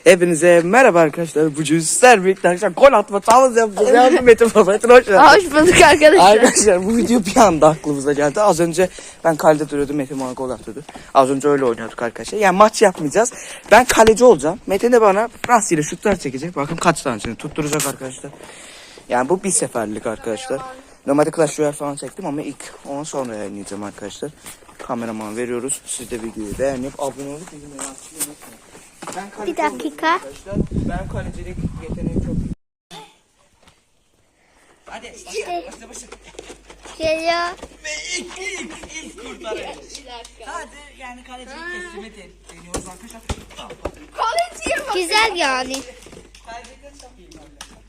Hepinize merhaba arkadaşlar. Bugün sizler birlikte arkadaşlar gol atma challenge yapacağız. Yardım Metin baba. Metin hoş geldin. Hoş bulduk arkadaşlar. Arkadaşlar bu video bir anda aklımıza geldi. Az önce ben kalede duruyordum. Metin bana gol atıyordu. Az önce öyle oynuyorduk arkadaşlar. Yani maç yapmayacağız. Ben kaleci olacağım. Metin de bana rastgele şutlar çekecek. Bakın kaç tanesini tutturacak arkadaşlar. Yani bu bir seferlik arkadaşlar. Normalde Clash Royale falan çektim ama ilk onu sonra yayınlayacağım arkadaşlar. Kameraman veriyoruz. Siz de videoyu beğenip abone olup bildirimleri açmayı unutmayın. Bir dakika. Arkadaşlar ben kalecilik yeteneğim çok iyi. Hadi başla. Geliyor. Ve ilk kurtarıyor. Hadi yani kalecilik teslim deniyoruz arkadaşlar. Kaleciye bak. Güzel yani. Kalecilik çok iyi.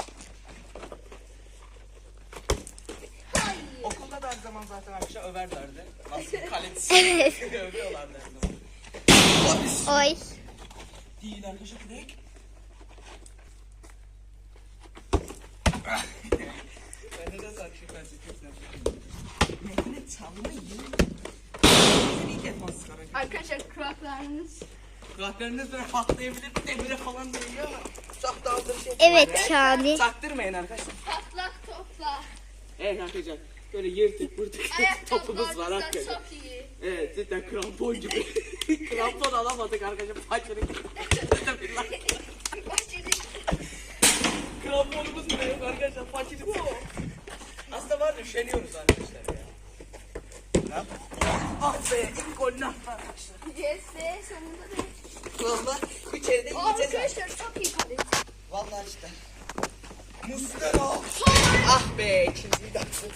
Okulda da her zaman zaten arkadaşlar överlerdi. Nasıl kalecisi övüyorlardı her zaman. Oy. Değil arkadaşlar direkt. Ben de nasıl akşam ne çalmayı iyi defansız Arkadaşlar kulaklarınız böyle patlayabilir, demire falan değiyor ama çok da hazır şey. Evet yani. Çaktırmayın arkadaşlar. Patlak topla. Evet arkadaşlar böyle yırtık pırtık topumuz var arkadaşlar. Çok iyi. Evet cidden krampon gibi. Krampon alamadık arkadaşlar. Paçırık. Kramponumuz bile yok arkadaşlar. Paçırık. Aslında var da üşeniyoruz arkadaşlar ya. Ah be ilk golünü attı arkadaşlar. Yes be sonunda da. Valla içeride yiyeceğiz. Arkadaşlar çok iyi kaleci. Valla işte. Muslera. Ah be ikinciyi de attı.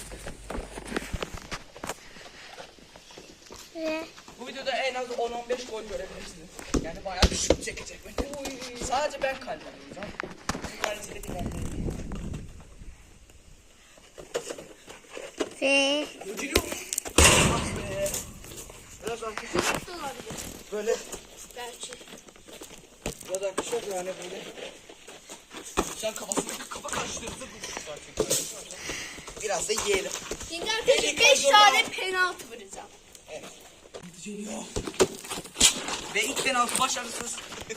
Bu videoda en az 10-15 gol görebilirsiniz. Yani bayağı bir şut çekecek. Sadece ben kalbim olacağım. Bu kaleciyle bir kalbim. Ve Ödülüyor mu? Ah be. Biraz arkadaşlar. Böyle. belki. Biraz arkadaşlar yani böyle. Sen kafasındaki kafa karşılığınızı bulmuşlar. Biraz da yiyelim. Şimdi arkadaşlar 5 tane penaltı vuracağım. Evet. Geliyor. Ve ilk penaltı başarısız.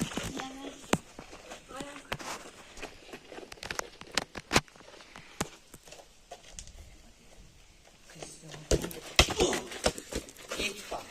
İlk bak.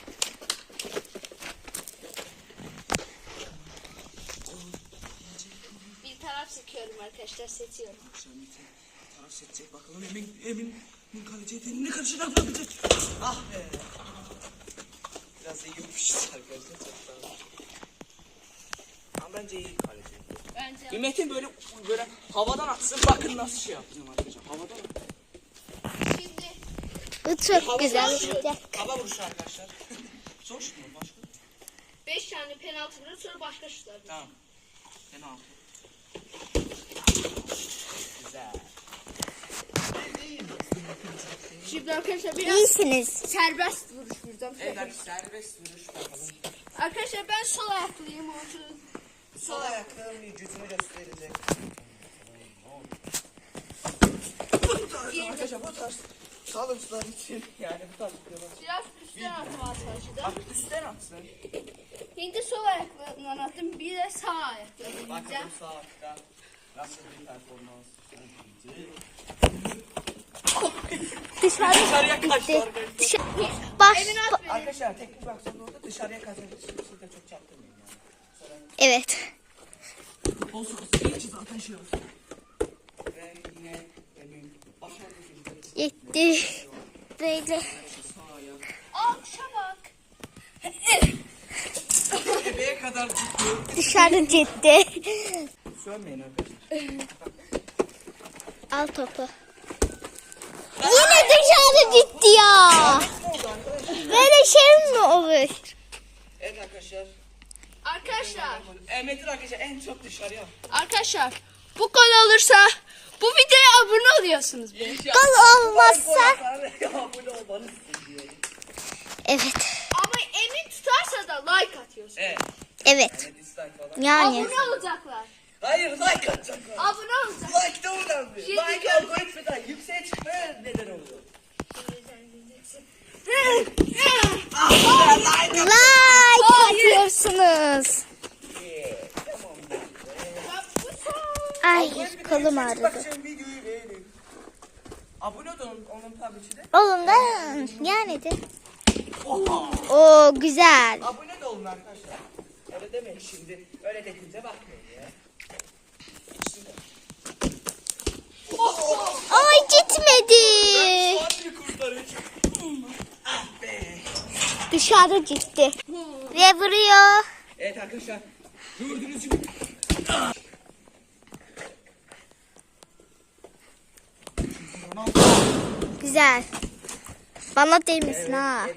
Bir taraf seçiyorum arkadaşlar seçiyorum. Taraf seçecek bakalım Emin kaleci yeteneğine karşı ne yapacak? Ah be. Biraz iyi yapmışız arkadaşlar. Çok sağ olun. Ama bence iyi kaleci. Bence. Metin böyle havadan atsın bakın nasıl şey yapacağım arkadaşlar. Havadan at. Şimdi. Bu çok güzel. Hava vuruşu arkadaşlar. Zor şut mu? Başka? 5 tane penaltı vurur sonra başka şutlar. Tamam. Penaltı. Güzel. Şimdi arkadaşlar biraz İyisiniz. serbest vuruş vuracağım. Evet arkadaşlar serbest vuruş bakalım. Arkadaşlar ben sol ayaklıyım. Sol ayaklarım vücudunu gösterecek. Arkadaşlar bu tarz sağlıkçılar için yani bu tarz videolar. Biraz üstten atmaya çalışacağım. Bak üstten atsın. Şimdi sol ayaklarından attım. Bir de sağ ayaklarından Bakalım atacağım. sağ ayakta nasıl bir performans sergileyecek. Dışarıya kaçtı arkadaşlar. Baş. Emin at beni. Arkadaşlar teknik baksana orada dışarıya kaçabilir. Siz de çok çaktırmayın yani. Evet. Olsun hiç zaten şey olsun. Ve yine Emin başarılı bir Gitti. Böyle. sağ ayak. Alkışa bak. Bebeğe kadar tutuyor. Dışarı gitti. Sönmeyin arkadaşlar. Al topu. Yine dışarı gitti ya. Böyle şey mi olur? Evet arkadaşlar. Arkadaşlar. Metin arkadaşlar en çok dışarıya. Arkadaşlar. Bu gol olursa bu videoya abone oluyorsunuz. Gol olmazsa. Abone olmanızı istiyorum. Evet. Ama Emin tutarsa da like atıyorsun. Evet. Evet. Dislike falan. Yani. Abone olacaklar. Hayır like atacaklar. Abone olacaklar. Like de önemli. Şimdi Like gör- algoritmadan yükseğe çıkmaya neden oluyor. Like atıyorsunuz. Tamam. Kolum ağrıdı. Bakın videoyu beğenin. Abone olun onun tabii ki de. Oğlum da yani de. Oo güzel. Abone de olun arkadaşlar. Öyle demeyin şimdi. Öyle dediğinize bakmayın ya. Ay gitmedi. Hadi kurtarın. Ah be. Dışarı gitti. Ve vuruyor. Evet arkadaşlar. Gördüğünüz gibi. Güzel. Bana değmesin ha.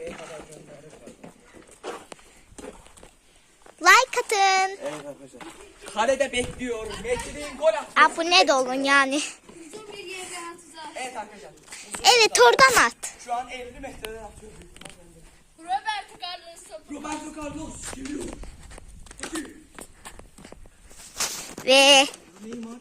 Like atın. Evet arkadaşlar. Kalede bekliyorum. Metin'in gol attı. Abone de olun yani. Uzun bir yerden tuzağa. Evet arkadaşlar. Evet oradan at. Şu an 50 metreden atıyor. Roberto Carlos topu. Roberto Carlos geliyor. Ve Neymar.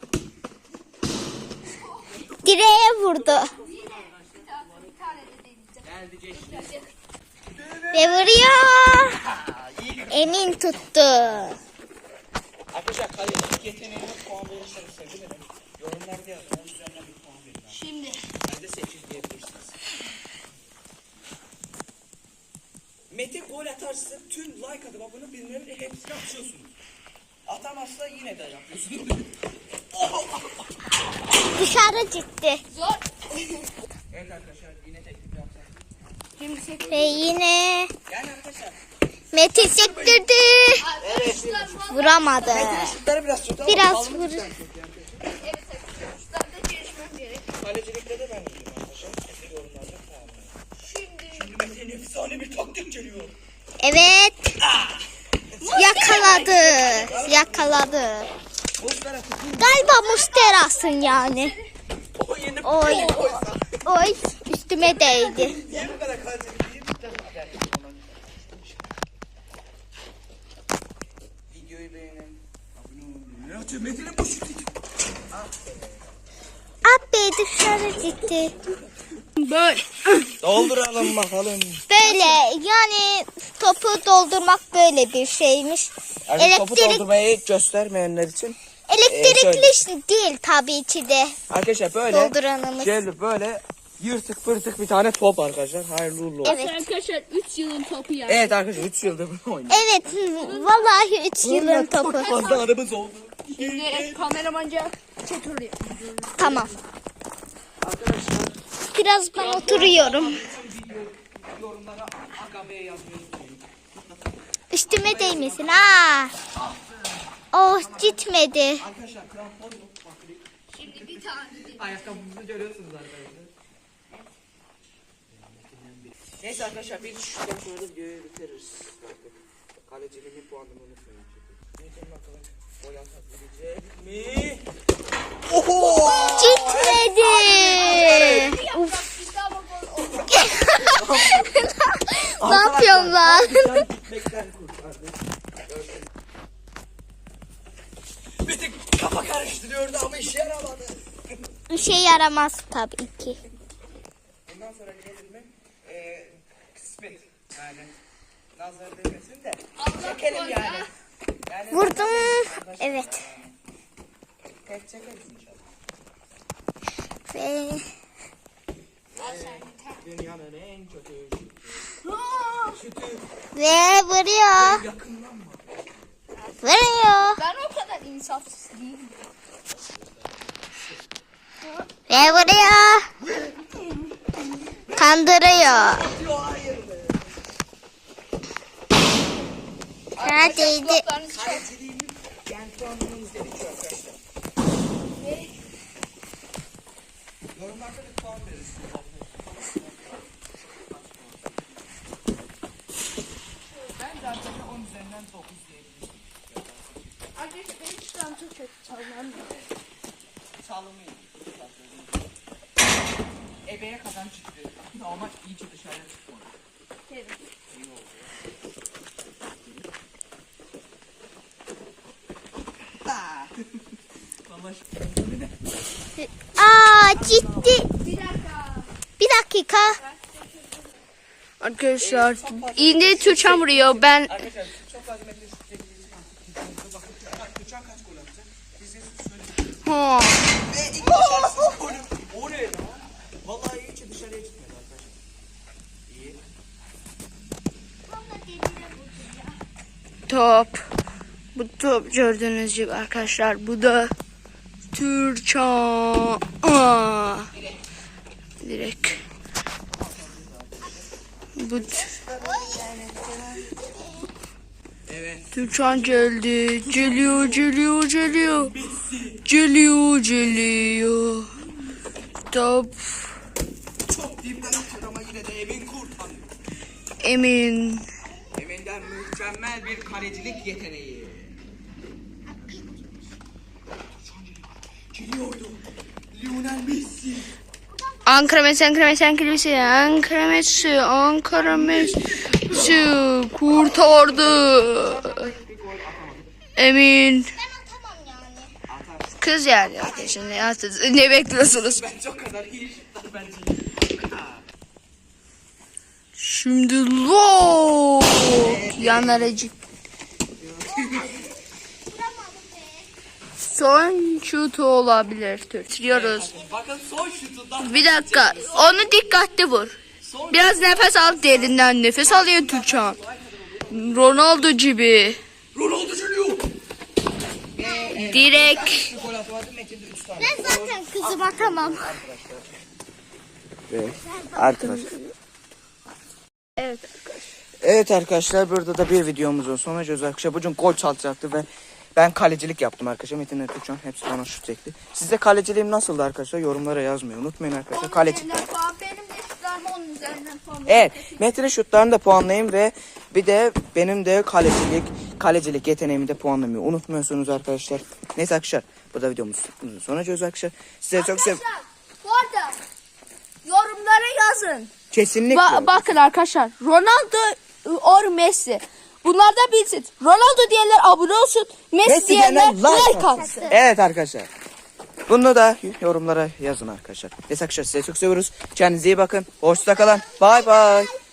direğe vurdu. Bir tane de deneyeceğim. Geldi geçti. Ve vuruyor. İyi gibi. Emin tuttu. Arkadaşlar kalecilik yeteneğine puan verirseniz sevinirim. Yorumlarda yazın. Onun üzerinden bir puan verin. Şimdi. Ben de 8 diyebilirsiniz. Metin gol atarsa tüm like atıp abone bilmem hepsini açıyorsunuz. Atamazsa yine de yapıyorsunuz. Dışarı gitti. Zor. Evet arkadaşlar yine teklif yapacağım. Şimdi çek. Ve yine Yani arkadaşlar. Metin sektirdi. Arkadaşlar bu Vuramadı. Şutları biraz kötü ama Biraz sağlıklı vur. güzel çok yani. evet arkadaşlar. Şutlarda gelişmem gerek. Kalecilikte de ben iyiyim arkadaşlar. Kesin yorumlarda puan verin. Şimdi. Şimdi Metin'in efsane bir taktik geliyor. Evet. Yakaladı. Yakaladı. Bozlara Galiba Mustera'sın yani. o yeni Oy. bir koysa. Oy üstüme değdi. Niye bu kadar kalecilik değil? Videoyu beğenin. Abone olun. Ne atıyor? Metin'in bu şutu. Abi dışarı gitti. Böyle. Dolduralım bakalım. Böyle yani topu doldurmak böyle bir şeymiş. Yani topu Elektrik, doldurmayı göstermeyenler için. elektrikli değil tabii ki de. Arkadaşlar böyle. Dolduranımız. Şöyle böyle yırtık pırtık bir tane top arkadaşlar. Hayırlı uğurlu olsun. Evet. Arkadaşlar 3 yılın topu ya. Evet arkadaşlar 3 yıldır bunu oynuyoruz. Evet vallahi 3 yılın topu. Çok fazla aramız oldu. Şimdi kameramanca çekiyor. Tamam. Arkadaşlar Biraz ben oturuyorum. yorumlara AKB'ye yazmayı unutmayın. Üstüme değmesin ha. Oh gitmedi. Arkadaşlar krampon yok. Bakın. Şimdi bir tane de. Ayakkabımızı görüyorsunuz arkadaşlar. Neyse arkadaşlar bir şuradan sonra da videoyu bitiririz. Bakın. Kaleciliğimin puanını unutmayın. Metin bakalım gol atabilecek mi? Oho! Gitmedi. Uf. Bir daha bakalım. Ne yapıyorum lan? Gitmekten kurtardı. Metin kafa karıştırıyordu ama işe yaramadı. Bir şey yaramaz tabii ki. Bundan sonra gelir mi? Kısmet. Yani nazar değmesin de. Çekelim yani. Yani Vurdum. Evet. tek çekeriz inşallah. Ve Dünyanın en kötü şutu. Ve vuruyor. Yakınlanma. Vuruyor. Ben o kadar insafsız değilim. Ve vuruyor. Kandırıyor. Diyor hayır be. Neredeydi? Kulaklarınızı çok. Kaleciliğimin yani puanını izledik şu arkadaşlar. Yorumlarda bir puan verirsiniz. Ben zaten 10 üzerinden 9 diyebilirim. Arkadaşlar benim şuram çok kötü çalmam. Sağlığımı iyi. Ebeye kazanç çıktı. Ama iyice dışarıya çıkmadı. Evet. İyi oldu. Vallahi Aa gitti. Bir dakika. Bir dakika. Arkadaşlar yine Tuğçan vuruyor. Ben arkadaşlar çok fazla metre şut çekeceğiz. Bakın Tuğçan kaç gol atacak? Bize şöyle ha. Bu top gördüğünüz gibi arkadaşlar. Bu da Türkçan. Direkt. Bu Evet. Türkçan geldi. Geliyor. Geliyor. Top. Çok dipten atıyor ama yine de Emin kurtarıyor. Emin. Emin'den mükemmel bir kalecilik yeteneği. Geliyordu. Lionel Messi. Ankara Messi kurtardı. Emin. Kız yani arkadaşlar ne bekliyorsunuz? Bence o kadar iyi şutlar bence. Şimdi lo yanaracık. Son şutu olabilir. Tutuyoruz. Bakın son şutundan. Bir dakika. Onu dikkatli vur. Biraz nefes al, derinden nefes alıyor Türkçan. Ronaldo gibi. Ronaldo geliyor. Direkt. Gol atamadı. Metin'de 3 tane. Ben zaten kızım atamam. Evet. Arkadaşlar. Evet. Evet arkadaşlar, burada da bir videomuzun sonuna geliyoruz arkadaşlar. Bugün gol çalacaktı ve ben kalecilik yaptım arkadaşlar. Metin'le Türkçen hepsi bana şut çekti. Sizde kaleciliğim nasıldı arkadaşlar? Yorumlara yazmayı unutmayın arkadaşlar. Kaleci. Benim de şutlarım onun üzerinden puan. Evet, Metin'in şutlarını da puanlayayım ve bir de benim de kalecilik yeteneğimi de puanlamayı unutmuyorsunuz arkadaşlar. Neyse arkadaşlar, bu da videomuzun sonuna geliyoruz arkadaşlar. Size çok sev. Bu arada yorumlara yazın. Kesinlikle. Bakın arkadaşlar, Ronaldo or Messi. Bunlar da bilsin. Ronaldo diyenler abone olsun. Messi diyenler like atsın. Evet arkadaşlar. Bunu da yorumlara yazın arkadaşlar. Neyse arkadaşlar, size çok seviyoruz. Kendinize iyi bakın. Hoşça kalın. Bay bay.